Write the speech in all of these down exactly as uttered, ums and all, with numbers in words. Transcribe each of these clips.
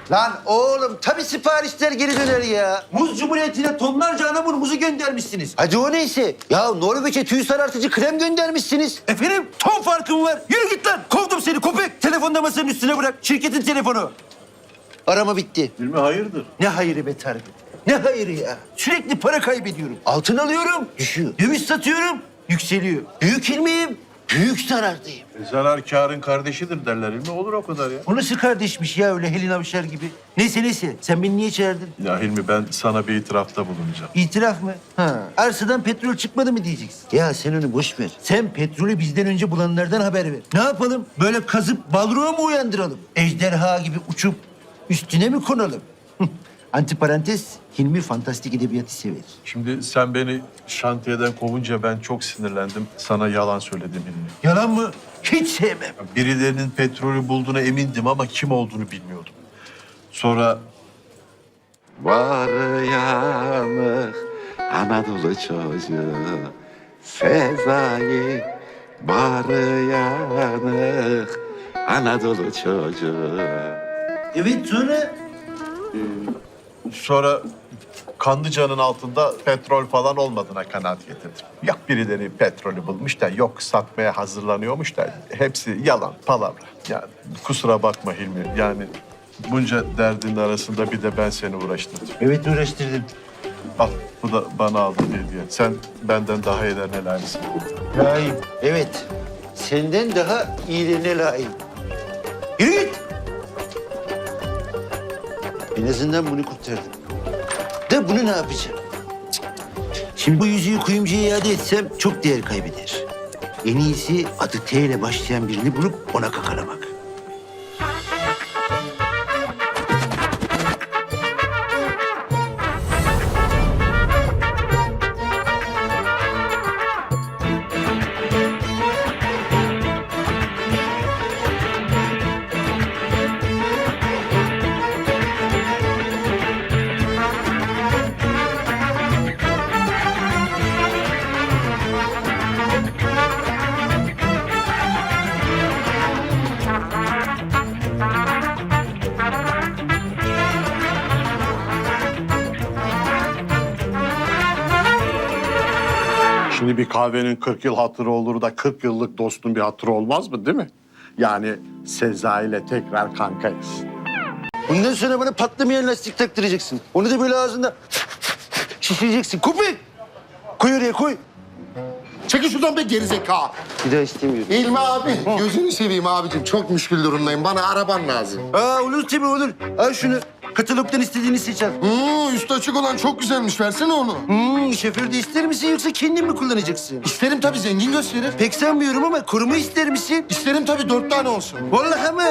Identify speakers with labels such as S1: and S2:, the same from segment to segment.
S1: Lan oğlum tabii siparişler geri döner ya. Muz Cumhuriyeti'ne tonlarca anamur muzu göndermişsiniz. Hadi o neyse. Ya Norveç'e tüy sarartıcı krem göndermişsiniz. Efendim ton farkım var. Yürü git lan. Kovdum seni köpek. Telefonda masanın üstüne bırak. Şirketin telefonu. Arama bitti.
S2: Hilmi hayırdır?
S1: Ne hayırı be Tarık? Ne hayırı ya? Sürekli para kaybediyorum. Altın alıyorum, düşüyor. Döviz satıyorum, yükseliyor. Büyük ilmiyim, büyük zarardayım.
S2: E, zarar kârın kardeşidir derler Hilmi. Olur o kadar ya.
S1: O nasıl kardeşmiş ya öyle Helin Avşar gibi? Neyse neyse, sen beni niye çağırdın?
S2: Ya Hilmi ben sana bir itirafta bulunacağım.
S1: İtiraf mı? Ha. Arsadan petrol çıkmadı mı diyeceksin? Ya sen onu boş ver. Sen petrolü bizden önce bulanlardan haber ver. Ne yapalım? Böyle kazıp balroğa mı uyandıralım? Ejderha gibi uçup üstüne mi konalım? Antiparantez, Hilmi fantastik edebiyatı sever.
S2: Şimdi sen beni şantiyeden kovunca ben çok sinirlendim. Sana yalan söyledim Hilmi.
S1: Yalan mı? Hiç sevmem.
S2: Birilerinin petrolü bulduğuna emindim ama kim olduğunu bilmiyordum. Sonra
S3: Var yanık Anadolu çocuğu Sezai. Var yanık Anadolu çocuğu.
S1: Evet sonra?
S2: sonra Kanlıca'nın altında petrol falan olmadığına kanaat getirdim. Yok birileri petrolü bulmuş da yok satmaya hazırlanıyormuş da hepsi yalan, palavra. Yani kusura bakma Hilmi. Yani bunca derdin arasında bir de ben seni uğraştırdım.
S1: Evet uğraştırdım.
S2: Al bu da bana aldın hediye. Sen benden daha iyilerine layıksın.
S1: Layığım. Evet. Senden daha iyilerine layığım. Yürü git. En azından bunu kurtardım. Da bunu ne yapacağım? Cık. Şimdi bu yüzüğü kuyumcuya iade etsem çok değer kaybeder. En iyisi adı T ile başlayan birini bulup ona kakalamak.
S4: Şimdi bir kahvenin kırk yıl hatırı olur da kırk yıllık dostun bir hatırı olmaz mı değil mi? Yani Sezai ile tekrar kankayız.
S1: Bundan sonra bana patlamayan lastik taktıracaksın. Onu da böyle ağzında şişireceksin. Köpek! Koy oraya koy.
S5: Çekil şuradan be gerizekalı.
S1: Bir daha istemiyorum.
S5: İlmi abi, gözünü seveyim abicim. Çok müşkül durumdayım. Bana araban lazım.
S1: Aa olur tabii olur. Al şunu. Katalogdan istediğini seç al.
S5: Hmm, üstü açık olan çok güzelmiş. Versene onu.
S1: Hmm, şoför de ister misin yoksa kendin mi kullanacaksın?
S5: İsterim tabii, zengin gösterir.
S1: Pek sanmıyorum ama koruma ister misin?
S5: İsterim tabii, dört tane olsun.
S1: Vallahi mı?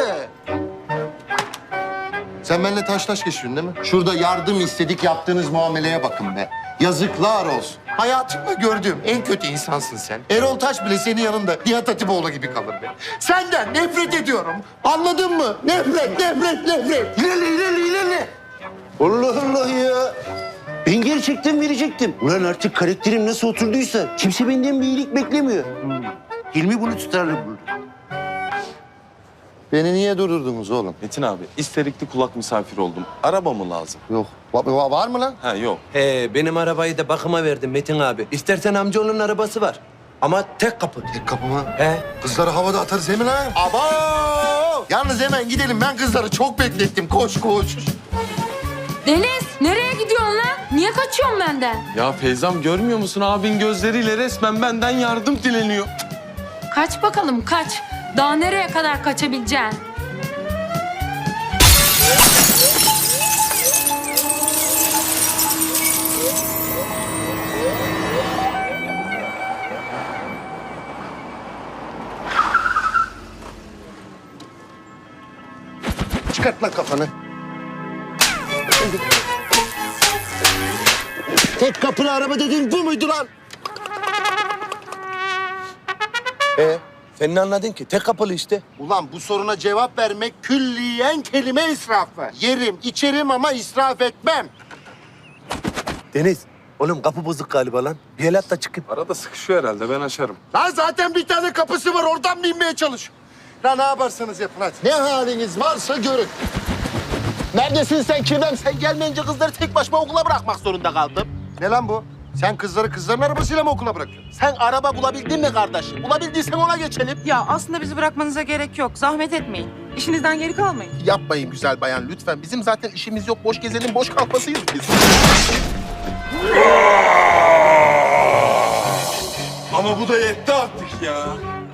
S5: Sen benimle taş taş geçiyorsun değil mi? Şurada yardım istedik, yaptığınız muameleye bakın be. Yazıklar olsun. Hayatımda gördüğüm en kötü insansın sen. Erol Taş bile senin yanında Nihat Hatipoğlu gibi kalır be. Senden nefret ediyorum. Anladın mı? Nefret, nefret, nefret.
S1: İlerle, ilerle, ilerle. Allah Allah ya. Ben gerçekten verecektim. Ulan artık karakterim nasıl oturduysa kimse benden bir iyilik beklemiyor. Hmm. Hilmi bunu tutarlı bulur.
S5: Beni niye durdurdunuz oğlum?
S6: Metin abi, isterikli kulak misafiri oldum. Araba mı lazım?
S5: Yok. Va- va- var mı lan?
S6: Ha yok.
S7: He, benim arabayı da bakıma verdim Metin abi. İstersen amcaoğlunun arabası var. Ama tek kapı.
S5: Tek kapıma.
S7: He.
S5: Kızları havada atarız hemen ha. Abo! Yalnız hemen gidelim. Ben kızları çok beklettim. Koş koş.
S8: Deniz, nereye gidiyorsun lan? Niye kaçıyorsun benden?
S6: Ya Feyzam görmüyor musun? Abin gözleriyle resmen benden yardım dileniyor.
S8: Kaç bakalım, kaç. Daha nereye kadar kaçabileceksin?
S1: Çıkart lan kafanı. Tek kapılı araba dediğin bu muydu lan?
S7: He. Sen ne anladın ki? Tek kapılı işte.
S5: Ulan bu soruna cevap vermek külliyen kelime israfı. Yerim, içerim ama israf etmem.
S7: Deniz, oğlum kapı bozuk galiba lan. Bir el at da çıkayım.
S6: Arada sıkışıyor herhalde, ben açarım.
S5: Lan zaten bir tane kapısı var. Oradan binmeye çalış. Lan ne yaparsanız yapın hadi. Ne haliniz varsa görün. Neredesin sen Kirvem? Sen gelmeyince kızları tek başıma okula bırakmak zorunda kaldım. Ne lan bu? Sen kızları kızların arabasıyla mı okula bırakıyorsun? Sen araba bulabildin mi kardeşim? Bulabildiysen ona geçelim.
S9: Ya aslında bizi bırakmanıza gerek yok. Zahmet etmeyin. İşinizden geri kalmayın.
S5: Yapmayın güzel bayan lütfen. Bizim zaten işimiz yok. Boş gezelim, boş kalkmasıyız biz.
S6: Ama bu da yetti artık ya.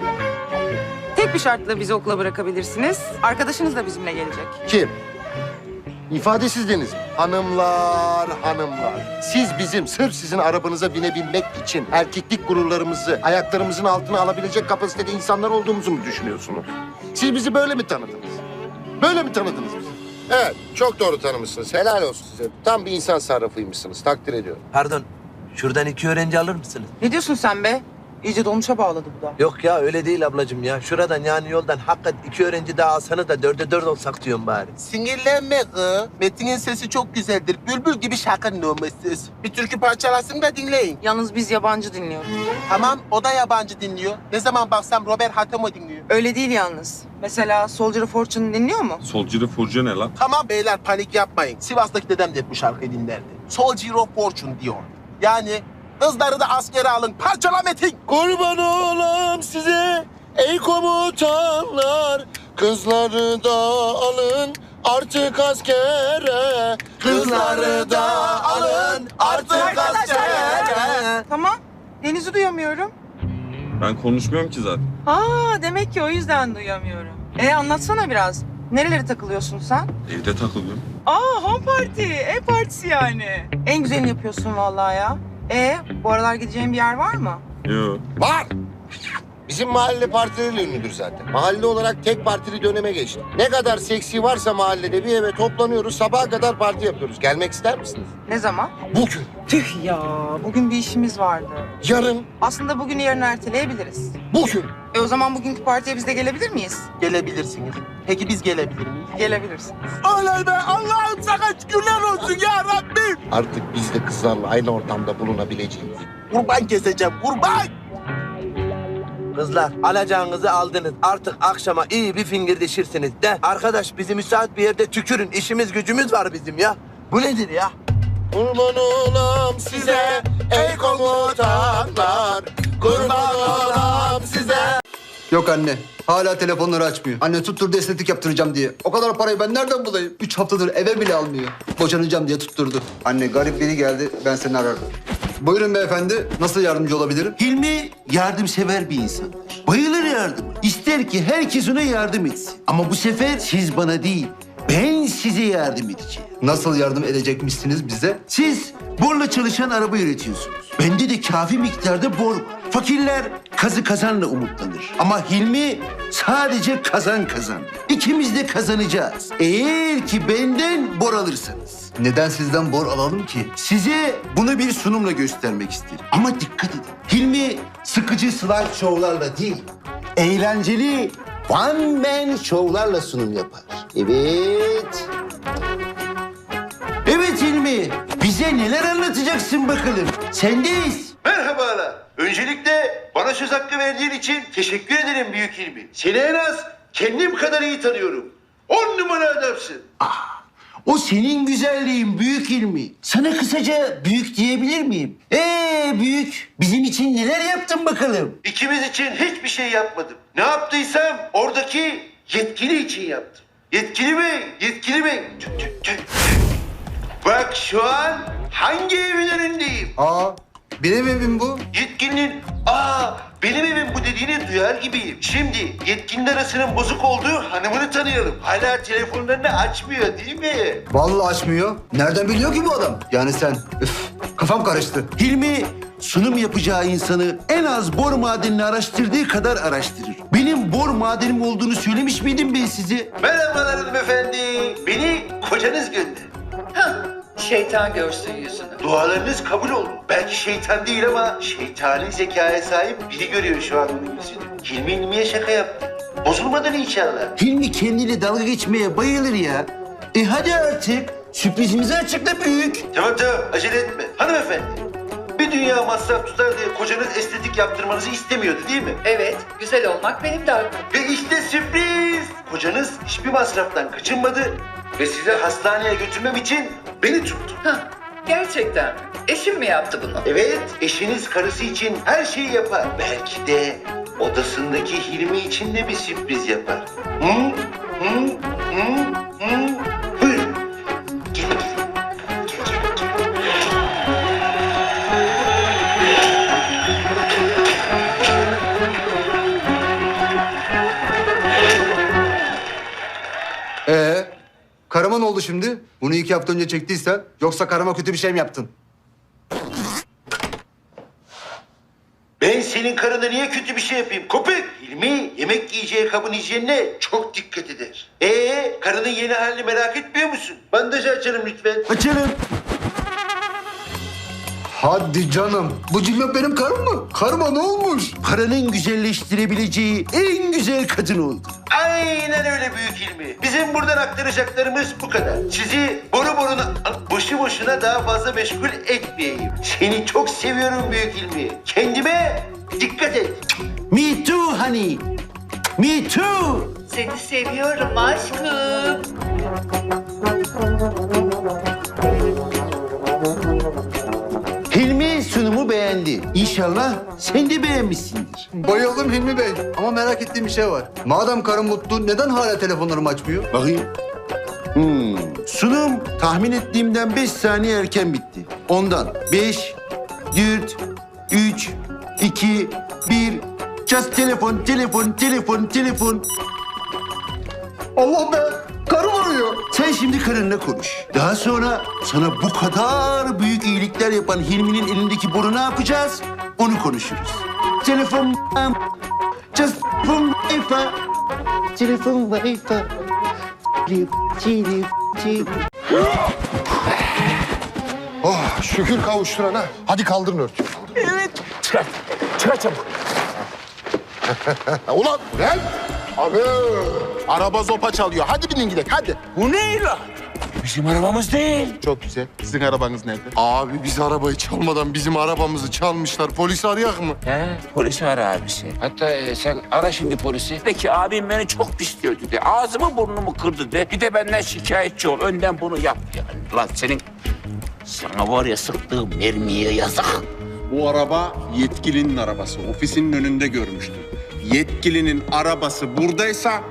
S9: Tek bir şartla bizi okula bırakabilirsiniz. Arkadaşınız da bizimle gelecek.
S5: Kim? İfadesiz Deniz mi? Hanımlar, hanımlar. Siz bizim sırf sizin arabanıza binebilmek için erkeklik gururlarımızı ayaklarımızın altına alabilecek kapasitede insanlar olduğumuzu mu düşünüyorsunuz? Siz bizi böyle mi tanıdınız? Böyle mi tanıdınız bizi? Evet, çok doğru tanımışsınız. Helal olsun size. Tam bir insan sarrafıymışsınız. Takdir ediyorum.
S7: Pardon, şuradan iki öğrenci alır mısınız?
S9: Ne diyorsun sen be? İyice dolmuşa bağladı bu da.
S7: Yok ya öyle değil ablacığım ya. Şuradan yani yoldan hakikat iki öğrenci daha alsanız da dörde dört olsak diyorum bari.
S5: Sinirlenme kız. Metin'in sesi çok güzeldir. Bülbül gibi şarkı numarasız. Bir türkü parçalasın da dinleyin.
S9: Yalnız biz yabancı dinliyoruz.
S5: Tamam, o da yabancı dinliyor. Ne zaman baksam Robert Hatemo dinliyor.
S9: Öyle değil yalnız. Mesela Soldier of Fortune dinliyor mu?
S6: Solcu Furcu ne lan?
S5: Tamam beyler, panik yapmayın. Sivas'taki dedem de hep bu şarkıyı dinlerdi. Soldier of Fortune diyor. Yani kızları da askere alın. Parçala Metin. Kurban olam size ey komutanlar. Kızları da alın artık askere. Kızları da alın artık askere.
S9: Tamam. Deniz'i duyamıyorum.
S6: Ben konuşmuyorum ki zaten.
S9: Aa, demek ki o yüzden duyamıyorum. E anlatsana biraz. Nerelere takılıyorsun sen?
S6: Evde takılıyorum.
S9: Aa, home party. Ev partisi yani. En güzelini yapıyorsun vallahi ya. E bu aralar gideceğin bir yer var mı?
S6: Yok.
S5: Var. Bizim mahalle partileriyle ünlüdür zaten. Mahalle olarak tek partili döneme geçti. Ne kadar seksi varsa mahallede bir eve toplanıyoruz. Sabaha kadar parti yapıyoruz. Gelmek ister misiniz?
S9: Ne zaman?
S5: Bugün,
S9: Tüh ya, bugün bir işimiz vardı.
S5: yarın,
S9: Aslında bugünü yarın erteleyebiliriz.
S5: bugün.
S9: E o zaman bugünkü partiye biz de gelebilir miyiz?
S5: Gelebilirsiniz. Peki biz gelebilir miyiz?
S9: Gelebilirsiniz.
S5: Oley be! Allah'ım sana şükürler olsun ya Rabbim! Artık biz de kızlarla aynı ortamda bulunabileceğiz. Kurban keseceğim, kurban!
S7: Kızlar alacağınızı aldınız. Artık akşama iyi bir fingirdeşirsiniz de. Arkadaş bizi müsait bir yerde tükürün. İşimiz gücümüz var bizim ya. Bu nedir ya?
S5: Kurban olam size ey komutanlar. Kurban olam size.
S1: Yok anne. Hala telefonları açmıyor. Anne tutturdu estetik yaptıracağım diye. O kadar parayı ben nereden bulayım? Üç haftadır eve bile almıyor. Boşanacağım diye tutturdu. Anne garip biri geldi. Ben seni ararım. Buyurun beyefendi. Nasıl yardımcı olabilirim?
S10: Hilmi yardımsever bir insan. Bayılır yardıma. İster ki herkes ona yardım etsin. Ama bu sefer siz bana değil, ben size yardım edeceğim.
S1: Nasıl yardım edecekmişsiniz bize?
S10: Siz borla çalışan araba üretiyorsunuz. Bende de kafi miktarda bor var. Fakirler kazı kazanla umutlanır. Ama Hilmi sadece kazan kazan. İkimiz de kazanacağız. Eğer ki benden bor alırsanız.
S1: Neden sizden bor alalım ki?
S10: Size bunu bir sunumla göstermek isterim. Ama dikkat edin. Hilmi sıkıcı slide show'larla değil, eğlenceli one man show'larla sunum yapar. Evet. Evet Hilmi, bize neler anlatacaksın bakalım? Sendeyiz.
S1: Merhabalar. Öncelikle bana söz hakkı verdiğin için teşekkür ederim büyük Hilmi. Seni en az kendim kadar iyi tanıyorum. On numara adamsın.
S10: O senin güzelliğin büyük Hilmi. Sana kısaca büyük diyebilir miyim? Ee büyük, bizim için neler yaptın bakalım?
S1: İkimiz için hiçbir şey yapmadım. Ne yaptıysam oradaki yetkili için yaptım. Yetkili bey, yetkili bey. Tüh, tüh, tüh. Bak şu an hangi evin önündeyim?
S5: Aa, benim evim bu.
S1: Yetkilinin aa benim evim bu dediğini duyar gibiyim. Şimdi yetkinin arasının bozuk olduğu hanımını tanıyalım. Hala telefonlarını açmıyor değil mi? Vallahi açmıyor. Nereden biliyor ki bu adam? Yani sen. Üf, kafam karıştı.
S10: Hilmi sunum yapacağı insanı en az bor madenini araştırdığı kadar araştırır. Benim bor madenim olduğunu söylemiş miydim ben size? Merhabalar hanımefendi. Beni kocanız gönderdi.
S11: Şeytan görsün yüzünü.
S1: Dualarınız kabul oldu. Belki şeytan değil ama şeytani zekaya sahip biri görüyor şu an onun yüzünü. Hilmi Hilmi'ye şaka yaptı. Bozulmadan inşallah.
S10: Hilmi kendiyle dalga geçmeye bayılır ya. E hadi artık sürprizimizi açıkla büyük.
S1: Tamam tamam acele etme. Hanımefendi. Bir dünya masraf tutar diye kocanız estetik yaptırmanızı istemiyordu değil mi?
S11: Evet, güzel olmak benim de hakkım.
S1: Ve işte sürpriz. Kocanız hiçbir masraftan kaçınmadı.
S10: ve size hastaneye götürmem için beni tuttu.
S11: Hah, gerçekten. Eşim mi yaptı bunu?
S10: Evet, eşiniz karısı için her şeyi yapar. Belki de odasındaki Hilmi için de bir sürpriz yapar. Hı? Hı? Hı? Hı? Buyurun. Gelin, gelin. Gel, gel, gel.
S12: Ee, karıma ne oldu şimdi? Bunu iki hafta önce çektiysen, yoksa karıma kötü bir şey mi yaptın?
S10: Ben senin karına niye kötü bir şey yapayım? Köpek! Hilmi yemek yiyeceği kabın hijyenine çok dikkat eder. Ee, karının yeni halini merak etmiyor musun? Bandajı açalım lütfen.
S1: Açalım.
S12: Hadi canım. Bu cillop benim karım mı? Karıma ne olmuş?
S1: Paranın güzelleştirebileceği en güzel kadın oldu.
S10: Aynen öyle büyük Hilmi. Bizim buradan aktaracaklarımız bu kadar. Sizi boru boruna, boşu boşuna daha fazla meşgul etmeyeyim. Seni çok seviyorum büyük Hilmi. Kendime dikkat et.
S1: Me too honey. Me too.
S11: Seni seviyorum aşkım.
S1: Hilmi sunumu beğendi. İnşallah sen de beğenmişsindir.
S12: Bayıldım Hilmi Bey. Ama merak ettiğim bir şey var. Madem karım mutlu, neden hala telefonlarımı açmıyor?
S1: Bakayım. Hmm. Sunum tahmin ettiğimden beş saniye erken bitti. Ondan beş, dört, üç, iki, bir. Just telefon, telefon, telefon, telefon.
S12: Allah be! Karım arıyor.
S1: Sen şimdi karınla konuş. Daha sonra sana bu kadar büyük iyilikler yapan Hilmi'nin elindeki boru ne yapacağız? Onu konuşuruz. Telefon, just telefon, wifi. Telefon, wifi.
S5: Oh şükür kavuşturana. Hadi kaldırın örtüyü.
S1: Evet. Çıkar, çıkar çabuk.
S5: Ulan lan! Abi! Araba zopa çalıyor. Hadi binin gidelim hadi.
S1: Bu ne lan? Bizim arabamız değil.
S5: Çok güzel. Sizin arabanız nerede? Abi biz arabayı çalmadan bizim arabamızı çalmışlar. Polisi arayak mı?
S13: He, polisi ara abisi. Hatta e, sen ara şimdi polisi. De ki abim beni çok pis dövdü de. Ağzımı burnumu kırdı de. Bir de benden şikayetçi ol. Önden bunu yap yani. Lan senin... Sana var ya sıktığım mermiye yazık.
S4: Bu araba yetkilinin arabası. Ofisinin önünde görmüştüm. Yetkilinin arabası buradaysa...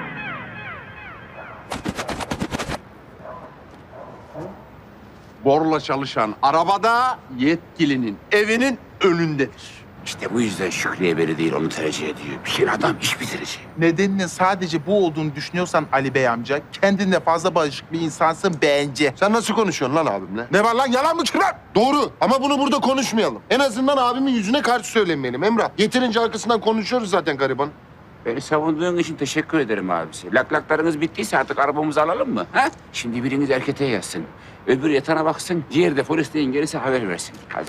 S4: Borla çalışan arabada yetkilinin evinin önündedir.
S13: İşte bu yüzden Şükrü'ye beni değil onu tercih ediyor. Bir adam iş bitirici.
S14: Nedeninin sadece bu olduğunu düşünüyorsan Ali Bey amca, kendinle fazla barışık bir insansın bence.
S5: Sen nasıl konuşuyorsun lan abimle? Ne var lan yalan mı ki lan? Doğru ama bunu burada konuşmayalım. En azından abimin yüzüne karşı söylemeyelim Emrah. Yeterince arkasından konuşuyoruz zaten gariban.
S13: Beni savunduğun için teşekkür ederim abisi. Laklaklarınız bittiyse artık arabamızı alalım mı? Ha? Şimdi biriniz erkete yazsın. Öbürü yatağına baksın. Diğeri de polisliğin gelirse haber versin. Hadi.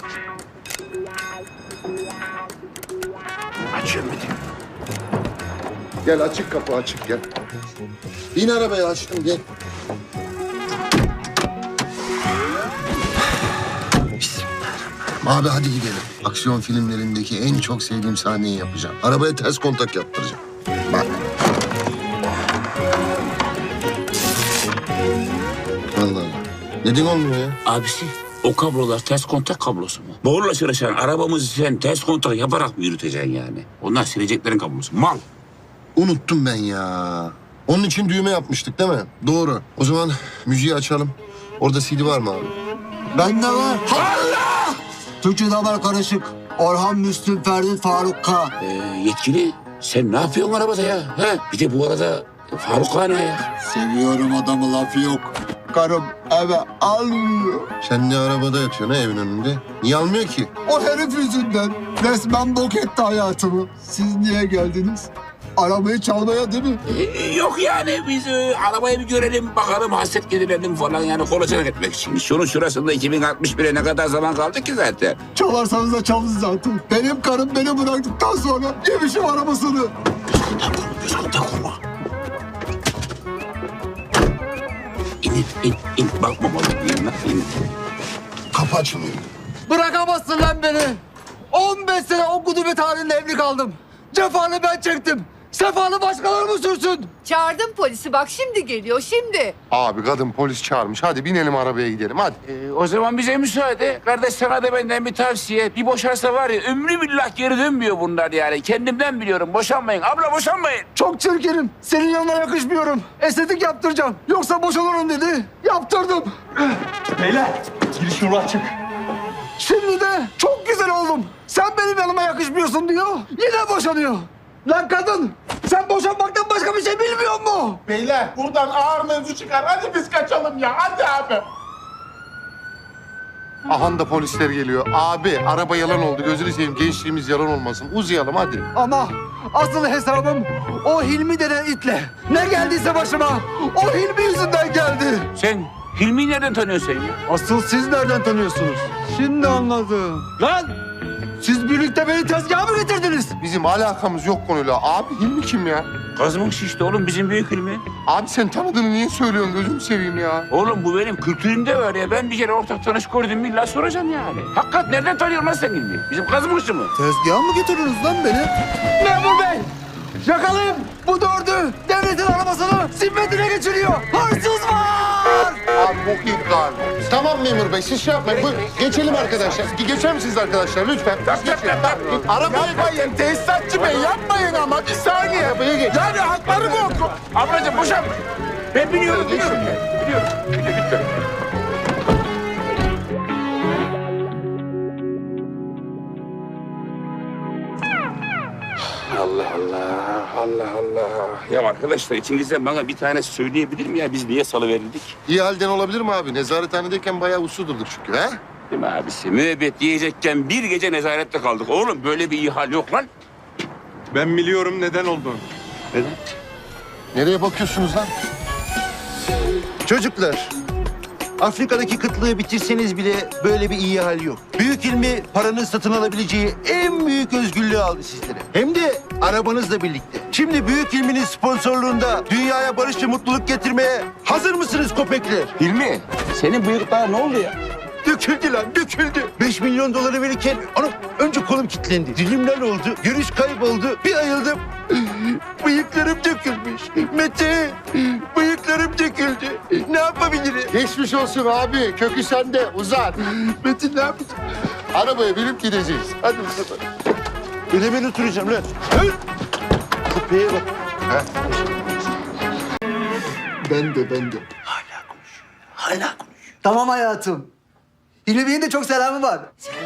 S13: Açıyorum bir de.
S5: Gel açık kapı açık gel. Bin arabaya açtım gel. Abi hadi gidelim. Aksiyon filmlerindeki en çok sevdiğim sahneyi yapacağım. Arabaya ters kontak yaptıracağım. Bak. Allah Allah. Neden olmuyor ya?
S13: Abisi o kablolar ters kontak kablosu mu? Borla çalışan arabamızı sen ters kontak yaparak mı yürüteceksin yani? Onlar sileceklerin kablosu. Mal.
S5: Unuttum ben ya. Onun için düğme yapmıştık değil mi? Doğru. O zaman müziği açalım. Orada C D var mı abi?
S12: Bende var. Allah! Türkçe'de haber karışık. Orhan, Müslüm, Ferdi, Faruk K.
S13: Ee, yetkili sen ne yapıyorsun arabada ya? Ha? Bir de bu arada Faruk Kağan ya.
S12: Seviyorum adamı, lafı yok. Karım eve almıyor.
S5: Sen de arabada yatıyorsun ha evin önünde. Niye almıyor ki?
S12: O herif yüzünden resmen bok etti hayatımı. Siz niye geldiniz? Arabayı çalmaya değil mi?
S13: Ee, yok yani biz e, arabayı bir görelim, bakalım, hasret giderelim falan yani kolaçan etmek için. Şunun şurasında iki bin altmış bire ne kadar zaman kaldı ki zaten?
S12: Çalarsanız da çalın zaten. Benim karım beni bıraktıktan sonra yemişim arabasını.
S13: Göz kontak kurma. İn, in, in. Bakma bana yanına, in.
S5: Kapı açılıyor.
S12: Bırakamazsın lan beni. on beş sene o gudubet halinde evli kaldım. Cefanı ben çektim. Sefanı başkaları mı sürsün?
S11: Çağırdım polisi bak şimdi geliyor şimdi.
S5: Abi kadın polis çağırmış. Hadi binelim arabaya gidelim hadi.
S13: Ee, o zaman bize müsaade. Kardeş sana da benden bir tavsiye. Bir boşarsa var ya ömrü billah geri dönmüyor bunlar yani. Kendimden biliyorum. Boşanmayın. Abla boşanmayın.
S12: Çok çirkinim. Senin yanına yakışmıyorum. Estetik yaptıracağım. Yoksa boşanırım dedi. Yaptırdım.
S6: Beyler giriş yolu açık.
S12: Şimdi de çok güzel oldum. Sen benim yanıma yakışmıyorsun diyor. Yine boşanıyor. Lan kadın sen boşanmaktan başka bir şey bilmiyor musun?
S14: Beyler buradan ağır mevzu çıkar. Hadi biz kaçalım ya. Hadi abi.
S5: Ahan da polisler geliyor. Abi araba yalan oldu. Gözünü seveyim gençliğimiz yalan olmasın. Uzayalım hadi.
S12: Ama asıl hesabım o Hilmi denen itle. Ne geldiyse başıma o Hilmi yüzünden geldi.
S13: Sen Hilmi'yi nereden tanıyorsun sen ya?
S12: Asıl siz nereden tanıyorsunuz? Şimdi anladım. Lan siz birlikte beni tezgaha mı getirdiniz?
S5: Bizim alakamız yok konuyla. Abi Hilmi kim ya?
S13: Kazımın şişti oğlum bizim büyük Hilmi.
S5: Abi sen tanıdığını niye söylüyorsun gözümü seveyim ya?
S13: Oğlum bu benim kültürümde var ya. Ben bir kere ortak tanış gördüm illa soracağım yani. Hakikat nereden tanıyorsun lan sen Hilmi? Bizim Kazımın şişi mi?
S12: Tezgaha mı getirdiniz lan beni? Memur bey! Yakalayın! Bu dördü devletin arabasını zimmetine geçiriyor. Hırsız var!
S5: Abi bok yiyip galiba. Tamam memur bey siz şey yapmayın. Buyurun. Geçelim arkadaşlar. Geçer misiniz arkadaşlar lütfen? Geçin.
S14: Arabaya yapmayın tesisatçı bey yapmayın ama bir saniye.
S5: Arabaya geç.
S14: Yani hakları bu.
S13: Ablacığım boşanma. Ben biliyorum, biliyorum ya. Biliyorum. Biliyorum, lütfen. Allah Allah, Allah Allah. Ya arkadaşlar içinizden bana bir tane söyleyebilir mi ya? Biz niye salıverildik?
S5: İyi halden olabilir mi abi? Nezarethanedeyken bayağı uslu durduk çünkü ha?
S13: Değil mi abisi? Müebbet yiyecekken bir gece nezarette kaldık. Oğlum böyle bir ihal yok lan.
S6: Ben biliyorum neden olduğunu.
S5: Nereye bakıyorsunuz lan?
S1: Çocuklar, Afrika'daki kıtlığı bitirseniz bile böyle bir iyi hal yok. Büyük ilmi paranın satın alabileceği en büyük özgürlüğü aldı sizlere. Hem de arabanızla birlikte. Şimdi büyük ilminin sponsorluğunda dünyaya barış ve mutluluk getirmeye hazır mısınız köpekler?
S13: Hilmi, senin bıyıklar ne oldu ya?
S1: Döküldü lan, döküldü. Beş milyon doları verirken anam önce kolum kilitlendi. Dilimler oldu, görüş kayboldu. Bir ayıldım. Bıyıklarım dökülmüş. Mete, bıyıklarım döküldü. Ne yapabilirim?
S5: Geçmiş olsun abi. Kökü sende. Uzat.
S1: Metin ne yapacağım?
S5: Arabaya binip gideceğiz. Hadi bakalım.
S1: Öyle ben oturacağım lan. Hı? Köpeğe bak. Ha?
S12: Ben de ben de.
S1: Hala konuşuyor. Hala konuşuyor.
S12: Tamam hayatım. Hilmi Bey'in de çok selamı var.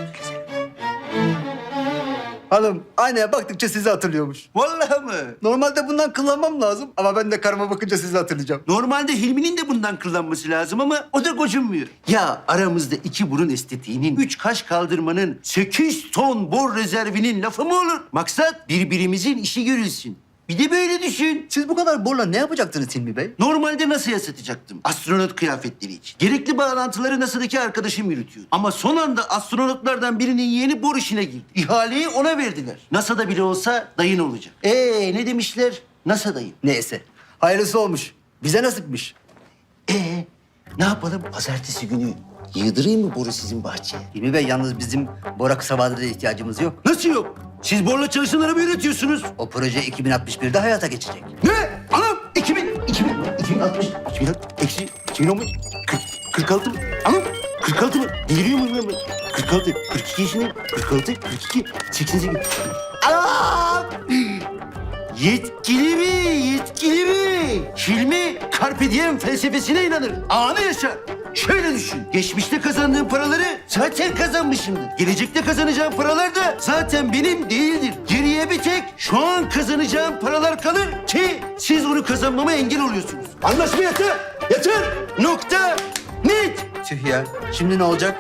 S12: Hanım aynaya baktıkça sizi hatırlıyormuş.
S1: Vallahi mı?
S12: Normalde bundan kıllanmam lazım ama ben de karıma bakınca sizi hatırlayacağım.
S1: Normalde Hilmi'nin de bundan kıllanması lazım ama o da gocunmuyor. Ya aramızda iki burun estetiğinin, üç kaş kaldırmanın, sekiz ton bor rezervinin lafı mı olur? Maksat birbirimizin işi görülsün. Bir de böyle düşün.
S12: Siz bu kadar borla ne yapacaktınız Hilmi Bey?
S1: Normalde NASA'ya satacaktım. Astronot kıyafetleri için. Gerekli bağlantıları NASA'daki arkadaşım yürütüyor. Ama son anda astronotlardan birinin yeğeni bor işine girdi. İhaleyi ona verdiler. NASA'da bile olsa dayın olacak. Ee ne demişler? NASA dayın.
S12: Neyse. Hayırlısı olmuş. Bize nasipmiş.
S1: Ee ne yapalım? Pazartesi günü yığdırayım mı boru sizin bahçeye?
S12: Hilmi Bey yalnız bizim bora kısa vadede ihtiyacımız yok.
S1: Nasıl yok? Siz borla çalışan araba üretiyorsunuz.
S12: O proje iki bin altmış birde hayata geçecek.
S1: Ne? Anam! iki bin, iki bin, iki bin altmış, iki bin altmış, eksi, iki bin on beş, kırk, kırk altı mı? Anam! kırk altı mı? Deliriyor muyum ben? kırk altı, kırk iki yaşındayım. kırk altı, kırk iki, seksen sekiz. Anam! Yetkili mi? Yetkili mi? Hilmi Carpe Diem felsefesine inanır. Anı yaşar. Şöyle düşün. Geçmişte kazandığım paraları zaten kazanmışımdır. Gelecekte kazanacağım paralar da zaten benim değildir. Geriye bir tek şu an kazanacağım paralar kalır ki siz onu kazanmama engel oluyorsunuz. Anlaşma yeter. Yeter. Nokta. Net.
S12: Tüh ya. Şimdi ne olacak?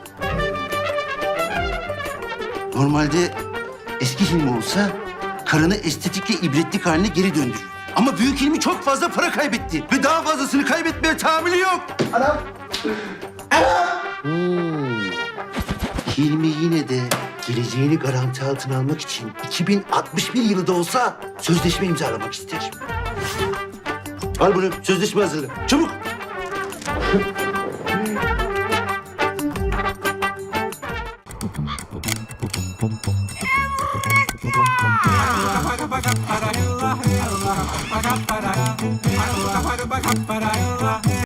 S1: Normalde eski Hilmi olsa karını estetikle ibretlik haline geri döndürür. Ama büyük Hilmi çok fazla para kaybetti ve daha fazlasını kaybetmeye tahammülü yok.
S12: Anam.
S1: Hmm. Hilmi yine de geleceğini garanti altına almak için iki bin altmış bir yılı da olsa sözleşme imzalamak ister. Al bunu, sözleşme hazırla. Çabuk.